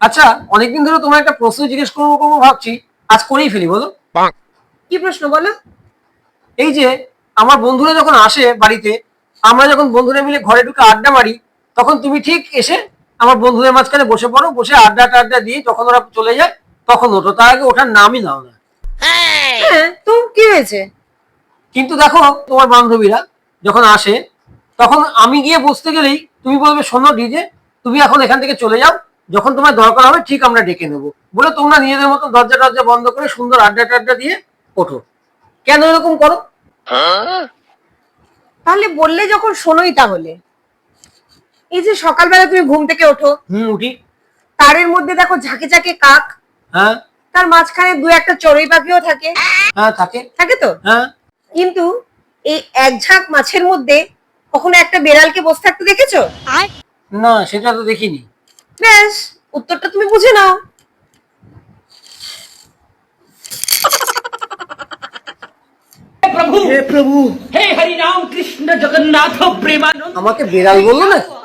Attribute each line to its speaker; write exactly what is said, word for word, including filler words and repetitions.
Speaker 1: আচ্ছা, অনেকদিন ধরে তোমার একটা প্রশ্ন জিজ্ঞেস করবো করবো ভাবছি, আজ করেই ফেলি, বলো।
Speaker 2: কি প্রশ্ন বলো?
Speaker 1: এই যে আমার বন্ধুরা যখন আসে বাড়িতে, আমরা যখন বন্ধুরা মিলে ঘরে ঢুকে আড্ডা মারি, তখন তুমি ঠিক এসে আমার বন্ধুদের মাঝখানে বসে পড়ো, বসে আড্ডা টাড্ডা দিয়ে যখন ওরা চলে যায় তখন ওঠো, তার আগে ওঠার নামই নাও না।
Speaker 2: হ্যাঁ, তো কি হয়েছে?
Speaker 1: কিন্তু দেখো, তোমার বান্ধবীরা যখন আসে তখন আমি গিয়ে বসতে গেলেই তুমি বলবে, শোনো ডিজে, তুমি এখন এখান থেকে চলে যাও, যখন তোমার দরকার হবে ঠিক আমরা ডেকে নেবো, বলে তোমরা নিজেদের মতো দরজা টরজা বন্ধ করে সুন্দর আড্ডা টাড্ডা দিয়ে ওঠো। কেন এরকম করো?
Speaker 2: তাহলে বললে যখন শোনোই তাহলে, এই যে সকালবেলা তুমি ঘুম থেকে ওঠো,
Speaker 1: হুম, উঠি।
Speaker 2: তারের মধ্যে দেখো ঝাঁকে ঝাঁকে কাক,
Speaker 1: হ্যাঁ।
Speaker 2: তার মাঝখানে দু একটা চড়ুই পাখিও থাকে।
Speaker 1: হ্যাঁ, থাকে।
Speaker 2: থাকে তো?
Speaker 1: হ্যাঁ।
Speaker 2: কিন্তু এই এক ঝাঁক মাছের মধ্যে কখনো একটা বেড়ালকে বসে থাকতে দেখেছো?
Speaker 1: না, সেটা তো দেখিনি।
Speaker 2: ব্যাস, উত্তরটা তুমি বুঝে নাও।
Speaker 3: प्रभु हे प्रभु हे हरि राम कृष्ण जगन्नाथ प्रेमानंद।
Speaker 1: আমাকে বেড়াল বললো না।